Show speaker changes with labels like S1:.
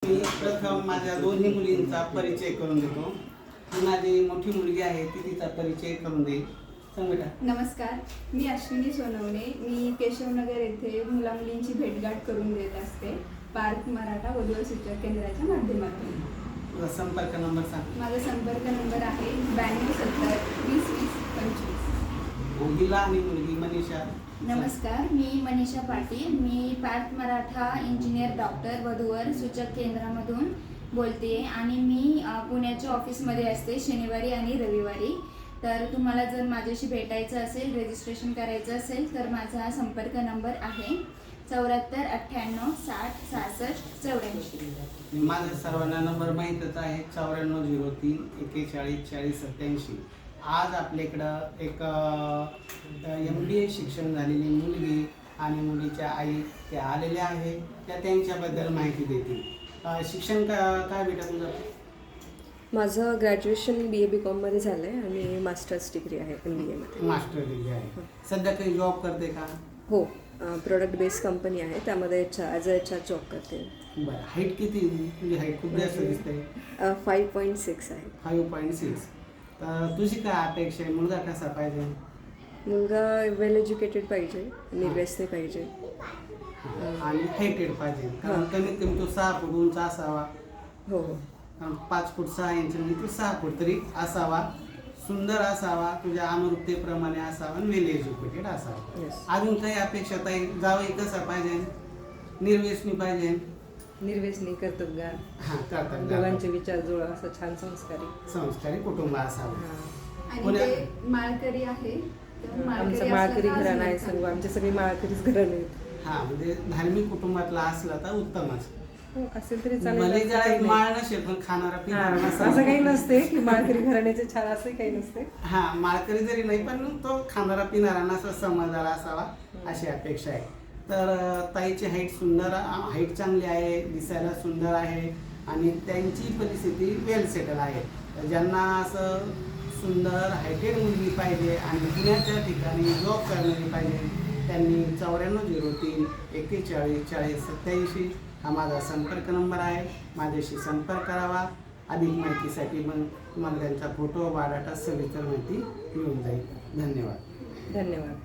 S1: मी प्रथम माझ्या दोन्ही मुलींचा परिचय करून देतो. ही माझी मोठी मुलगी आहे, ती तिचा परिचय करून देईल. सांग बेटा.
S2: नमस्कार, मी अश्विनी सोनवणे. मी केशवनगर येथे मुलामुलींची भेटगाठ करून देत असते पार्थ मराठा वधू सूचक केंद्राच्या माध्यमातून.
S1: तुझा संपर्क नंबर सांग.
S2: माझा संपर्क नंबर आहे 9270 20 20 25.
S1: मुलगीला आणि मुलगी मनीषा.
S3: नमस्कार, मी मनीषा पाटील. मी पार्थ मराठा इंजिनियर डॉक्टर वधूवर सूचक केंद्रामधून बोलते आणि मी पुण्याच्या ऑफिसमध्ये असते शनिवारी आणि रविवारी. तर तुम्हाला जर माझ्याशी भेटायचं असेल, रजिस्ट्रेशन करायचं असेल तर माझा हा संपर्क नंबर आहे 74 98 60 66 84.
S1: माझा सर्वांना नंबर माहीतच आहे 9403 41 40 87. आज आपल्याकडं एक MBA शिक्षण झालेली मुलगी आणि मुलीच्या आई त्या आलेल्या आहे. त्या त्यांच्याबद्दल माहिती देतील. शिक्षण काय बेटा तुझं?
S4: माझं ग्रॅज्युएशन BA BCom झालं आहे आणि मास्टर्स डिग्री आहे MBA मध्ये.
S1: मास्टर डिग्री आहे. सध्या काही जॉब करते का?
S4: हो, प्रोडक्ट बेस्ड कंपनी आहे, त्यामध्ये ॲज अ HR जॉब करते.
S1: बरं. हाईट किती? तुझी हाईट खूप जास्त दिसते.
S4: 5.6 आहे.
S1: 5.6. तर तुझी काय अपेक्षा आहे? मुलगा कसा पाहिजे?
S4: मुलगा वेल एज्युकेटेड पाहिजे, निर्व्यसनी पाहिजे
S1: आणि हायटेड पाहिजे. कारण कमीत कमी तो 6 फूट उंच असावा.
S4: हो हो.
S1: 5 फूट 6 इंच म्हणजे तो 6 फूट तरी असावा. सुंदर असावा, तुझ्या अनुरूपतेप्रमाणे असावा आणि वेल एज्युकेटेड असावा.
S4: येस.
S1: अजून काही अपेक्षा ताई? जावई कसा पाहिजे? निर्व्यसनी पाहिजे.
S4: निर्व्यसनी, कर्तबगार,
S1: हां, करतात.
S4: दोघांचे विचार जुळ, असं छान
S1: संस्कारी कुटुंब असावं.
S4: हां.
S2: आणि ते माळकरी आहे. तर
S4: आमचं माळकरी घराणं आहे, सर्व आमचे सगळे माळकरीच घराणे आहेत.
S1: हां, म्हणजे धार्मिक कुटुंबातला असला तर उत्तमच.
S4: हो, असेल तरी
S1: भले
S4: चालेल.
S1: जरा माळ नसेल पण खाणारा पिणारा
S4: हां,
S1: नसावा.
S4: असं काही नसते की माळकरी घराण्याचे छान, असं काही नसते.
S1: हा, माळकरी जरी नाही पण तो खाणारा पिणारा नसा समजदार असावा अशी अपेक्षा आहे. तर ताईची हाईट सुंदर, हाईट चांगली आहे, दिसायला सुंदर आहे आणि त्यांची परिस्थिती वेल सेटल आहे. तर ज्यांना असं सुंदर हायटेड मुलगी पाहिजे आणि पुण्याच्या ठिकाणी जॉब करणारी पाहिजे त्यांनी 9403 41 40 87 हा माझा संपर्क नंबर आहे. माझ्याशी संपर्क करावा. अधिक माहितीसाठी मग तुम्हाला त्यांचा फोटो, बायोडाटा, सविस्तर माहिती मिळून जाईल. धन्यवाद.
S4: धन्यवाद.